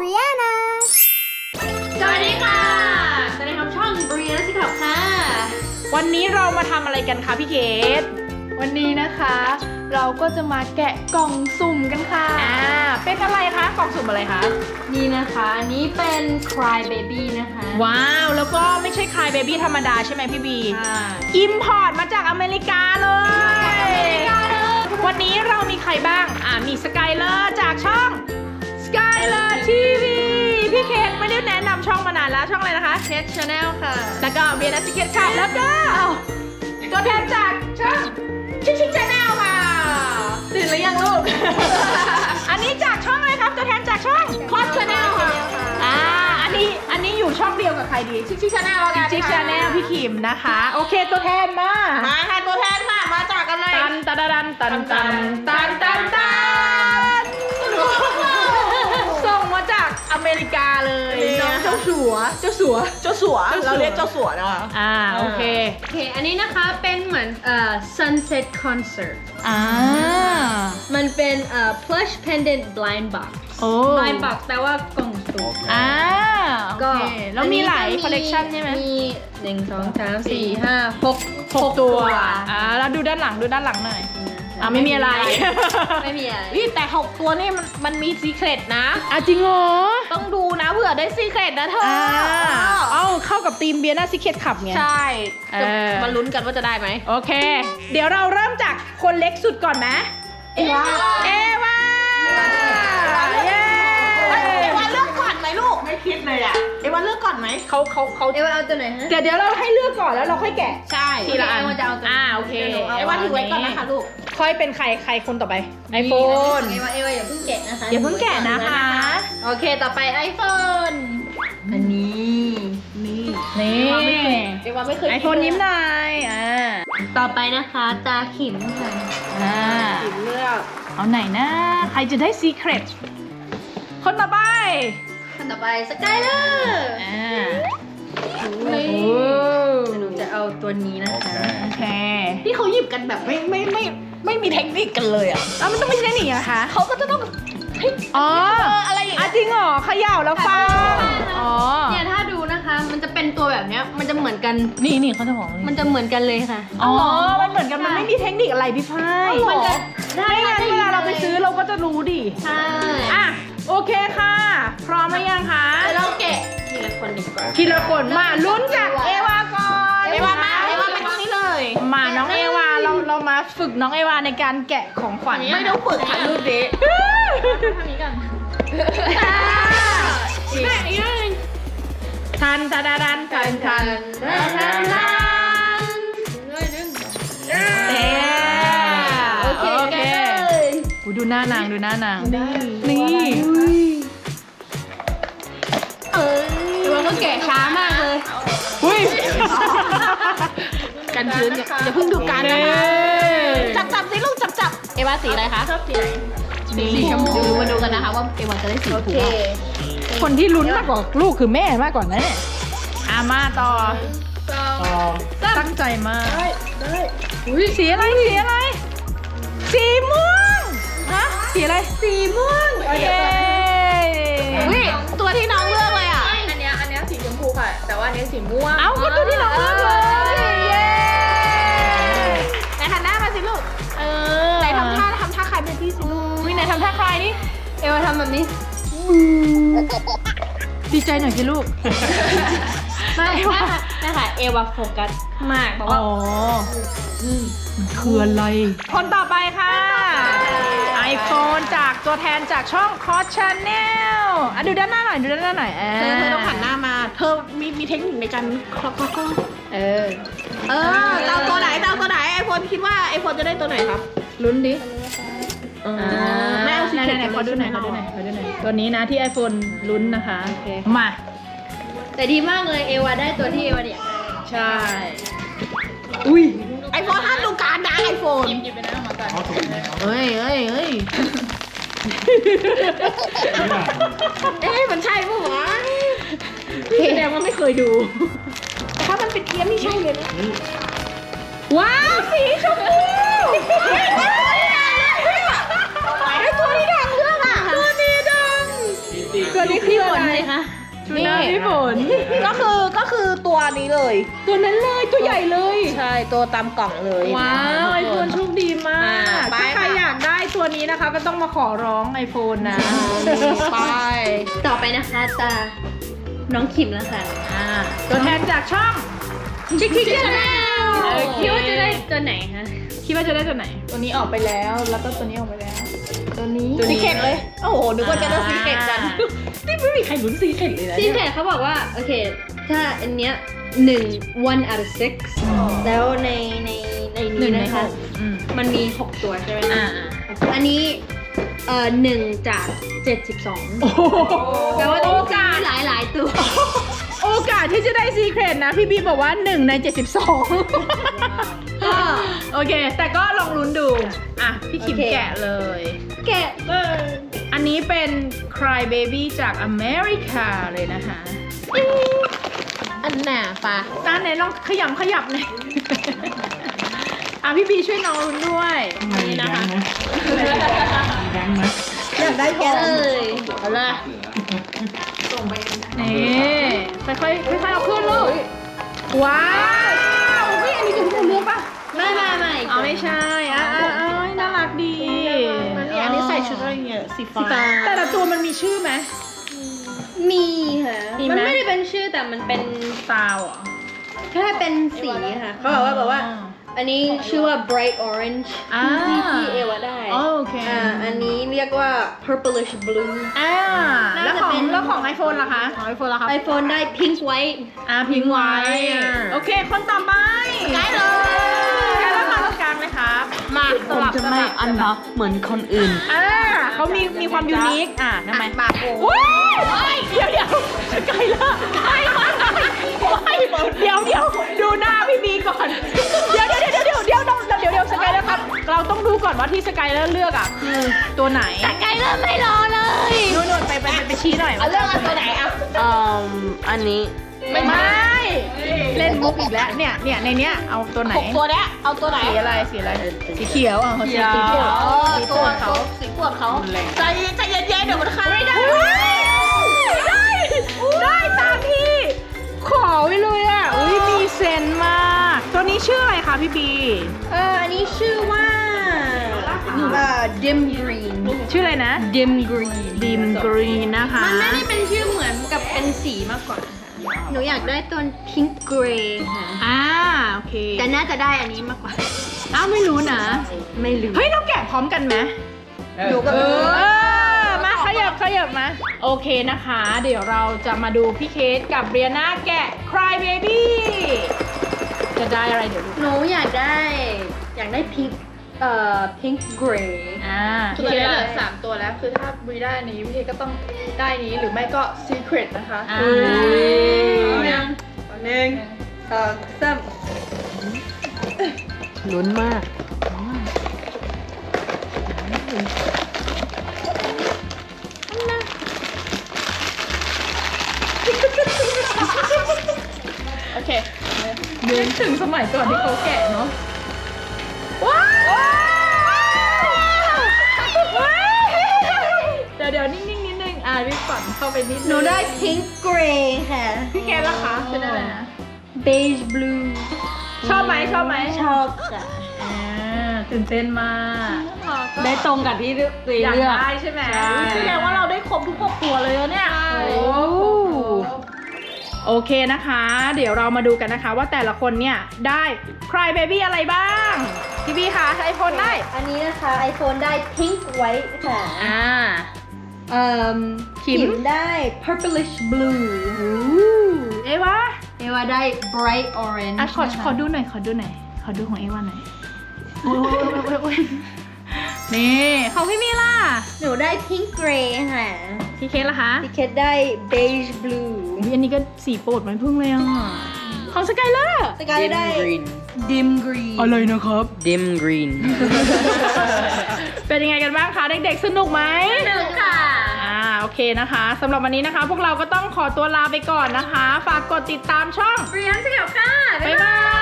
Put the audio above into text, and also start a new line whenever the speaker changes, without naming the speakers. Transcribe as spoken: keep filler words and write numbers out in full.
ริยานา
สวัสดีค่ะสวัสดีครับช่องบริยาสิครับค่ะ
วันนี้เรามาทำอะไรกันคะพี่เกด
วันนี้นะคะเราก็จะมาแกะกล่องสุ่มกันค่ะ
อ่าเป็นอะไรคะกล่องสุ่มอะไรคะ
นี่นะคะอันนี้เป็น Cry Baby นะคะ
ว้าวแล้วก็ไม่ใช่ Cry Baby ธรรมดาใช่ไหมพี่บี
ใช่
อิมพอร์ตมาจากอเมริกาเลยวันนี้เรามีใครบ้างอ่ามีสกายเลอร์จากช่องสกายเลอร์ทีวีพี่เคนไม่ได้แนะนำช่องมานานแล้วช่องอะไรนะคะ
Cat Channel ค่ะ
แล้วก็เบียร์นัสซิเคทค่ะแล้วก็ตัวแทนจากช่องชิคชิคชาแนลค่ะ
ตื่นหรือยังลูก
อันนี้จากช่องอะไรครับตัวแทนจากช่องคอสชาแนลค่ะอ่าอันนี้อันนี้อยู่ช่องเดียวกับใครดีชิคชิคชาแนลกันชิคชาแนลพี่คิมนะคะโอเคตัวแทนมา
มาค่ะตัวแทนค่ะมาจากกันเลย
ตันตันตันตันตันตันตันตันส่งมาจากอเมริกาเลยน้องเจ้าสัวเจ้าสัว
เจ้าสัวเราเรียกเจ้าสัวนะคะ
อ่าโอเค
โอเคอันนี้นะคะเป็นเหมือนเอ่อ sunset concert
อ่า
มันเป็นเอ่อ plush pendant blind box
โอ้
blind box แปลว่ากล่องสุ่ม
อ่า
ก็
แล้วมีหลายคอลเลกชันใช่ไหม
มีหนึ่งสองสามสี่ห้าหก
หกตัวอ่าแล้วดูด้านหลังดูด้านหลังหน่อยอ่าไม่มีอะไร
ไม่มีอะไร
นี่แต่หกตัวนี่มันมันมีซีเครตนะ
อ่ะจริงเหรอ
ต้องดูนะเผื่อได้ซีเครตนะเธอ
อ่าเอ้าเข้ากับทีมเบียร์น่าซิเคทขับไง
ใช่จะ
เออ
มาลุ้นกันว่าจะได้ไหม
โอเค เดี๋ยวเราเริ่มจากคนเล็กสุดก่อนนะเอวาเอวาเย้
เอวาเลือกก่อนไหมลูกไม่คิดเลยอ่ะเอวาเลือกก่อนไหม
เขาเขาเขา
เอวาเอาตัวไหนฮะ
เดี๋ยวเดี๋ยวเราให้เลือกก่อนแล้วเราค่อยแกะ
ใช่
ทีละอัน
เอวาจะเอาตัว
อ่าโอเค
เอวาถือไว้ก่อนนะคะลูก
ค่อยเป็นใครใครคนต่อไปไอโฟน
เอวาเอวาอย่าเพิ่งแกะนะคะ
อย่าเพิ่งแกะนะคะ
โอเคต่อไป iPhone อันนี้
นี่
นี่
เอวาไม่เคย
ไอโฟนยิ้มหน่อยอ่า
ต่อไปนะคะตาขิมค่ะ
อ่า
สีเลือก
เอาไหนนะ ใครจะได้ซีเครตคนต่อไป
คนต่อไปสกายเลอร์
อ่า
นี่
โอ้
หนูจะเอาตัวนี้นะคะ
โอเค
ที่เขาหยิบกันแบบไม่ไม่ไม่ไม่มีเทคนิคกันเลยอ่ะ
เอามันต้องไม่ใช่หนีอะคะ
เขาก็จะต้องเฮ้ย
อ๋อ
อะไรอย่าง
อ่ะ
เงี้ย
จริงเหรอเขย่าแล้วฟังอ๋อ
เนี่ยถ้าดูนะคะมันจะเป็นตัวแบบเนี้ยมันจะเหมือนกัน
นี่นี่เขาจะบอก
มันจะเหมือนกันเลยค่ะ
อ๋อมันเหมือนกันมันไม่มีเทคนิคอะไรพี่ฝ้าย
มันจะได้
ไม่งั้นเวลาเราไปซื้อเราก็จะรู้ดิ
ใช่
อ่ะโอเคค่ะ พร้อมหรือยังคะ
เดี๋ยวเราแกะทีละคนดีกว่า
ทีละคนมาลุ้นจากเอวาก่อน
เอวามาเอวาไปตรงนี้เลย
มาน้องเอวาเราเรามาฝึกน้องเอวาในการแกะของขวัญ
ไม่ต้องฝึกถ่ายรูปดิ
ทำนี้กัน
แม่อีกนึง
ทันทันทันทันทันทันทันเอ๊โอเคโอเคกูดูหน้านางดูหน้านางนี่
เออแต่ว่าก็แกะช้ามากเลย
อุ้ย
กันชื้นอย่าอย่าเพิ่งดูกันนะคะจับจับสิลูกจับจับเอวาสีอะไรคะชอบสีไหน
สีชมพู
มาดูกันนะคะว่าเอวาจะได้สีถูก
คนที่ลุ้นมากกว่าลูกคือแม่มากกว่านะเนี่ยอามาต่อตั้งใจมากสีอะไรสีอะไร สีม่วงฮะสีอะไรสีม่วงโอเค
อุ้ยตัวที่น้องเลือกเลยอ่ะ
อันเนี้ยอันเนี้ยสีชมพูค่ะ แต่ว่าอันนี้สีม่วง
เอ้าก็ตัวที่น้องเลือกเลยเย้
ไหนหันหน้ามาสิลูก
เออ
ไหนทำท่าทำท่าใครเป็นพี่สิลูก
วิไหนทำท่าคลายนี่
เอวาทำแบบนี้
ดีใจหน่อยสิลูก
ไม่ไม่ค่ะไม่ค่ะเอวาโฟกัสมากบอก
อ๋
ว่า
อคืออะไรคนต่อไปค่ะ iPhone จากตัวแทนจากช่อง Cos Channel อ่ะดูด้านหน้าหน่อยดูด้านหน้าหน่อย
เธอเธอต้องหันหน้ามา เธอมีมีเทคนิคในการคล็อกคล็อกคล็อก
เออ
เออเจ้าตัวไหนเจ้าตัวไหนไอโฟนคิดว่าไอโฟนจะได้ตัวไหนครับ
ลุ้นดิ
อ่าแม่เอาสี
ไหน
เขียว
ไหนขอดูหน่อยขอดูหน่อยขอดูหน่อยตัวนี้นะที่ iPhone ลุ้นนะคะ มา
แต่ดีมากเลยเอวาได้ตัวที่เอวาอยากได้
ใช่ อุ้ย
ไอโฟนห้ามดูการนะไอโฟน
หยิบไปนะมาก่อน
เฮ้ยเฮ้ยเฮ้ยเอ๊ะมันใช่ปะวะ
แสดงว่าไม่เคยดู
แต่ถ้ามันเป็นเทียมนี่ใช่เลยนะ
ว้าวสีชมพู
ไอตัวนี้ดังเรื่องอ่ะ
ตัวนี้ดัง เกิดนี่คืออะไร
พี่ฝนสิคะ
ทูน่าพี่ฝน
ก็คือก็คือตัวนี้เลย
ตัวนั้นเลยตัวใหญ่เลย
ใช่ตัวตามกล่องเลย
ว้าวไอโฟนโชคดีมา
อ่าก ไป
ถ้าใคร
ค่ะ
อยากได้ตัวนี้นะคะ ก็ต้องมาขอร้องไอโฟนนะ
ไป
ต่อไปนะคะตาน้องขิมแล้วค่ะ
อ่าตัวแทนจากช่องชิคชิคชาแนล
คิดว่าจะได้ตัวไหนคะ
คิดว่าจะได้ตัวไหน ตัวนี้ออกไปแล้ว แล้วก็ตัวนี้ออกไปแล้ว ตัวนี้
ซีเคร็ตเลย โอ้โห นึกว่าจะได้ซีเคร็ตกัน
นี่ไม่มีใครลุ้นซีเคร็ตเลยนะ
ซี
เนี่ย
เคทเขาบอกว่า โอเค ถ้าอันเนี้ยหนึ่ง one out of six แล้วในในใน
หนึ่
นี้
งใน
นะ
ห
คะ
กอืม
มันมี 6 ตัวใช่ไหม
อ่า
อันนี้เอ่อหนึ่งจากเจ็ดสิบสอง
โอ้โห
แปลว่าต้องมีหลายหลายๆตัว
โอกาสที่จะได้ซีเคร็ตนะ พี่บีบอกว่าหนึ่งในเจ็ดสิบสอง
ก็
โอเค แต่ก็ลองลุ้นดู อ่ะ พี่คิม
โอเค
แกะเลย
แกะเลย
อันนี้เป็น Cry Baby จากอเมริกาเลยนะคะ
อันหนาปะ
ตาไหนลองขยำขยับหน่อย อ่ะพี่บีช่วยน้องลุ้นด้วยนี่นะคะ
อยากได้ท
แกะ
อง
เลย
เอาละนี่ค่อยๆค่อยๆเอาขึ้นลูกว้าวเฮ้ยอันนี้คือที่เราเลือกปะ
ไม่ไม่ไม่
อ๋อไม่ใช่อ่ะอ่ะอ่ะน่ารักดี
นี่อันนี้ใส่ชุดอะไรเงี้ยสีฟ้า
แต่ละตัวมันมีชื่อไหม
มีค่ะ
มีไหม
มันไม่ได้เป็นชื่อแต่มันเป็น
ตาวเหรอ
แค่เป็นสีค่ะเขาบอกว่าบอกว่า อันนี้ชื่อว่า bright orange
อ่า
ที่ที่เอวาได้
โอเค
อ่าอันนี้เรียกว่า purplish blue
อ่าแล้วของ
น่าจะเป็น
แล้วของไอโฟนล่ะคะของไอโฟนล่ะคะ
iPhone ได้ pink white
อ่าพิงไว้
อ่า
โอเค คนต่อไป
ได้เลย
ใกล้แล้วค่ะตรงกลางเลยครับ
มา
สลับสลับ
อันเนาะเหมือนคนอื่น
อ่าเขามีมีความยูนิคอ่ะทำไม
ปากโอ้
ว้ายเดี๋ยวเดี๋ยวไกลละไกลมากเดี๋ยวเดี๋ยวดูหน้าพี่บีก่อน เดี๋ยวเดี๋ยวเดี๋ยวเดี๋ยวเดี๋ยวเดี๋ยวเดี๋ยวเดี๋ยวสกายแล้วครับ เราต้องดูก่อนว่าที่สกายแล้วเลือกอ่ะคือตัวไหน
ไกลเริ่มไม่รอเลย
นู่นนู่นไปไปไปไปชี้หน่อย
เอาเรื่องอันตัวไหนอ่ะเอ่ออันนี้
ไม่ไม่เล่นมุกอีกแล้วเนี่ยเนี่ยในเนี้ยเอาตัวไหน
หกตัวเนี้ยเอาตัวไหน
สีอะไรสีอะไรสีเขียวอ่ะสีสีโปรด
อ๋อ
สีโปร
ตัว
ดเขา
สีปวดเขาใจใจเย็นๆเดี๋ยวมันเข้า
ไม่ได้ไม่ได้ได้ตามที่ขอไว้เลยอ่ะอุ้ยมีเซนมากตัวนี้ชื่ออะไรคะพี่บี
เอออันนี้ชื่อว่าเอ่อ dim green
ชื่ออะไรนะ
dim green
ดิมกรีนนะคะ
มันไม่ได้เป็นชื่อเหมือนกับเป็นสีมากกว่าค่ะหนูอยากได้ตัว pink gray ค่ะ
อ่าโอเค
แต่น่าจะได้อันนี้มากกว่า
อ้าวไม่รู้นะ
ไม่รู้
เฮ้ยเราแกะพร้อมกันไหม
หนูก็
เอ
ไม่รู้
อมาขยับขยับมา โอเคนะคะ เดี๋ยวเราจะมาดูพี่เคสกับเรียนาแกะ Cry Baby จะได้อะไรเดี๋ยวดู
หนูอยากได้ อยากได้ pink เอ่อ pink gray
อ่า
คือตอนนี้เหลือสามตัวแล้ว คือถ้าบรีได้อันนี้พี่เคก็ต้องได้นี้หรือไม่ก็ Secret นะคะ
อ่า
หนึ่ง
สองสาม
ลุ้นมาก
โอเคนึกถึงสมัยก่อนที่เขาแกะเนาะ ว้าวว้าวเดี๋ยวเดี๋ยวนิ่งๆนิดนึง อ่ารีบฝันเข้าไปนิดนึง
หนูได้ pink gray ค่ะ
พี่เคสล่ะคะเป็นอะไรนะ
beige blue
ชอบไหมชอบไหม
ชอบค่ะ
อ่าตื่นเต้นมาก
ได้ตรงกับที่เลือก
อยากได้ใช่ไหม
ใช่
แสดงว่าเราได้ครบทุกหกตัวเลยอะเนี่ยโอ้โอเคนะคะ เดี๋ยวเรามาดูกันนะคะว่าแต่ละคนเนี่ยได้ Cry Baby อะไรบ้าง พี่บีคะไอโฟนได้
อันนี้นะคะ iPhone ได้ pink white ค่ะ
อ่า
เอ่อ
ขิม
ได้ purplish blue
เอวา
เอวาได้ bright orange
อ่ะขอ
นะคะ
ขอดูหน่อยขอดูหน่อยขอดูของเอวาหน่อยโอ้ยโอ้ยโอ้ยโอ้ยนี่ของพี่มีล่ะ
หนูได้ pink gray ค่ะ
พี่เคสล่ะคะ
พี่เคทได้ beige blue
อุ๊ยอันนี้ก็สีโปรดมันพึ่งเลยอ่ะของสกายเลอร์
สกายได้ dim green
อะไรนะครับ
dim green
เป็นยังไงกันบ้างคะเด็กๆสนุกไหม
สนุกค่ะ
อ่าโอเคนะคะสำหรับวันนี้นะคะ พวกเราก็ต้องขอตัวลาไปก่อนนะคะ ฝากกดติดตามช่อง
เรียนสกับค่ะ
บ๊ายบาย